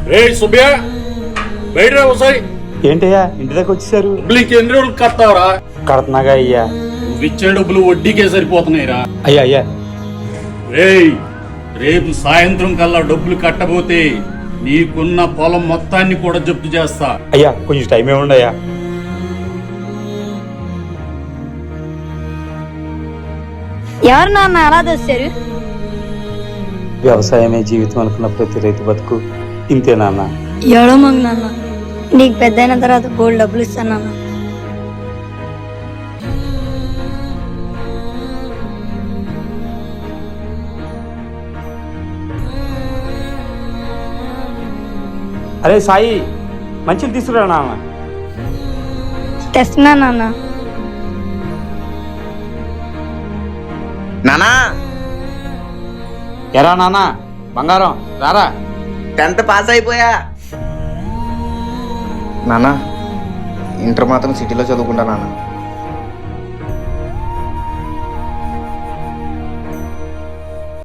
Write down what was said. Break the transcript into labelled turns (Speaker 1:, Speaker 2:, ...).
Speaker 1: సుబ్బయ్య బయట ఒకసారి
Speaker 2: ఏంటయ్యా ఇంటి దగ్గర వచ్చేసారు?
Speaker 1: డబ్బులు ఇంకెన్ని రోజులు కడతావరా?
Speaker 2: కడుతున్నాగా అయ్యా.
Speaker 1: నువ్వు ఇచ్చే డబ్బులు వడ్డీకే సరిపోతున్నాయిరా.
Speaker 2: అయ్యా అయ్యా
Speaker 1: రేపు సాయంత్రం కల్లా డబ్బులు కట్టబోతే నీకున్న పొలం మొత్తాన్ని కూడా జప్తు చేస్తా.
Speaker 2: అయ్యా కొంచెం టైం ఏముండి అయ్యా.
Speaker 3: ఎవరు నాన్న అలా తెచ్చారు?
Speaker 2: వ్యవసాయమే జీవితం అనుకున్న ప్రతి రైతు బతుకు ఇంతే నాన్న.
Speaker 3: ఎవడో మంగ నాన్న, నీకు పెద్ద అయిన తర్వాత బోల్డ్ డబ్బులు ఇస్తాను నాన్న.
Speaker 2: అరే సాయి, మంచిలు తీసుకురా నాన్న.
Speaker 3: తెస్తున్నా నాన్న.
Speaker 4: నానా,
Speaker 2: ఎరా నాన్న బంగారం రారా.
Speaker 4: 10th పాస్ అయిపోయా. నానా, ఇంటర్ మాత్రం సిటీలో చదువుకుంటా నాన్న.